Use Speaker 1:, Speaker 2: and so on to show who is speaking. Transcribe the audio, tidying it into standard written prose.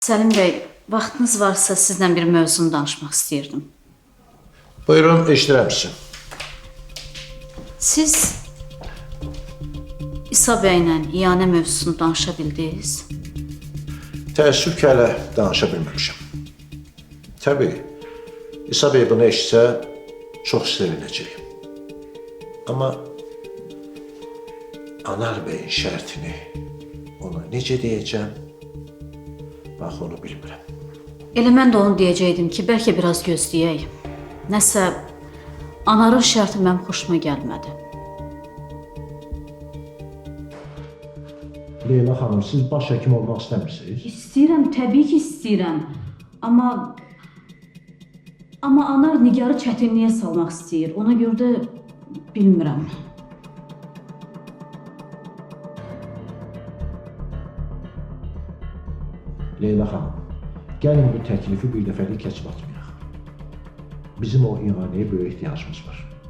Speaker 1: Səlim bəy, vaxtınız varsa sizlə bir mövzunu danışmaq istəyirdim.
Speaker 2: Buyurun, eşidirəm sizi.
Speaker 1: Siz İsa bəylə iyanə mövzusunu danışa bildiniz?
Speaker 2: Təəssüf ki, hələ danışa bilməmişəm. Təbii, İsa bəy bunu eşitsə, çox sevinəcək. Amma Anar bəyin şərtini ona necə deyəcəm, bax onu bilmirəm.
Speaker 1: Elə mən də onu deyəcəkdim ki, bəlkə biraz gözləyək. Nəsə, Anarın şərti mənim xoşuma gəlmədi.
Speaker 2: Leyla xanım, siz baş həkim olmaq istəmirsiniz?
Speaker 1: İstəyirəm, təbii ki istəyirəm. Amma Anar Nigarı çətinliyə salmaq istəyir. Ona görə də bilmirəm.
Speaker 2: Leyla xanım, gəlin bu təklifi bir dəfəlik keçib atmayaq. Bizim o iğanəyə böyük ehtiyacımız var.